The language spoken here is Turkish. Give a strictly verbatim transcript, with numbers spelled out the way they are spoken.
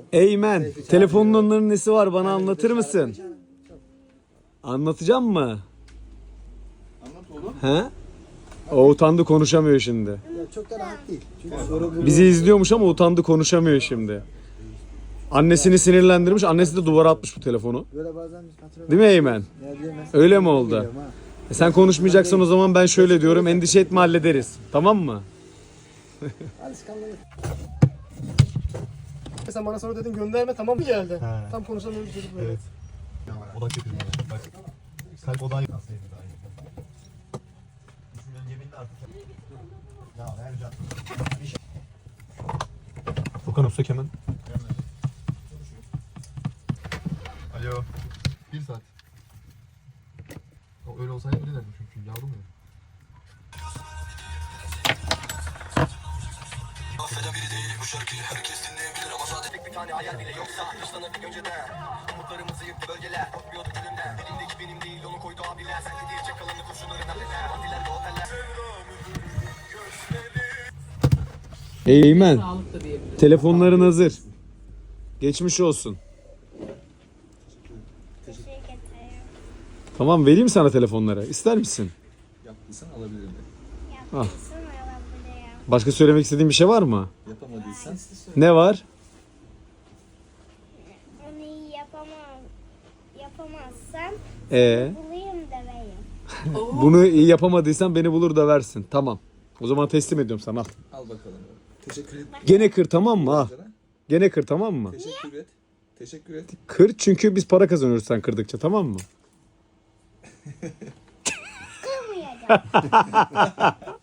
Eymen, telefonun onların nesi var bana anlatır mısın? Anlatacağım mı? Anlat oğlum. He? O utandı konuşamıyor şimdi. Ya çok da rahat değil. Çünkü soru bu. Bizi izliyormuş ama utandı konuşamıyor şimdi. Annesini sinirlendirmiş, annesi de duvara atmış bu telefonu. Böyle bazen biz kontrol Değil mi Eymen? Ya diyemez. Öyle mi oldu? Geliyorum ha. E sen konuşmayacaksan o zaman ben şöyle diyorum, endişe etme hallederiz. Tamam mı? Alışkanlık. Sen bana sonra dedin gönderme, tamam mı geldi? He. Tam konuşamıyor bir çocuk böyle. Evet. Odak yapayım bana. Bak. Kalp odağı yapayım. Ya Ercan. Furkan Öztürk hemen. Alo. Bir saat. O öyle olsaydı öyle derdim çünkü yavrum ya. Affeden biri değil bu şarkıyı herkes dinleyebilir ama sadece tek bir tane hayal bile yoksa dışlanırdık önceden. Umutlarımızı yıktı bölgeler korkmuyorduk elimden. Elimdeki benim değil onu koydu abiler. Sen de diyecek kalanı kurşunların abiler. Partiler ve oteller. Eymen, telefonların hazır. Geçmiş olsun. Teşekkür ederim. Tamam, vereyim sana telefonları. İster misin? Yaptıysan alabilirim. Yapmışsın alabilirim. Başka söylemek istediğin bir şey var mı? Yapamadıysan Ne var? Onu iyi yapamam. Yapamazsam Ee, bulayım da vereyim. bunu iyi yapamadıysan beni bulur da versin. Tamam. O zaman teslim ediyorum sana. Al. al bakalım. Teşekkür et. Gene kır, tamam mı? Al. Gene kır, tamam mı? Teşekkür et. Teşekkür et. Kır, çünkü biz para kazanıyoruz sen kırdıkça, tamam mı? Kırmayacağım.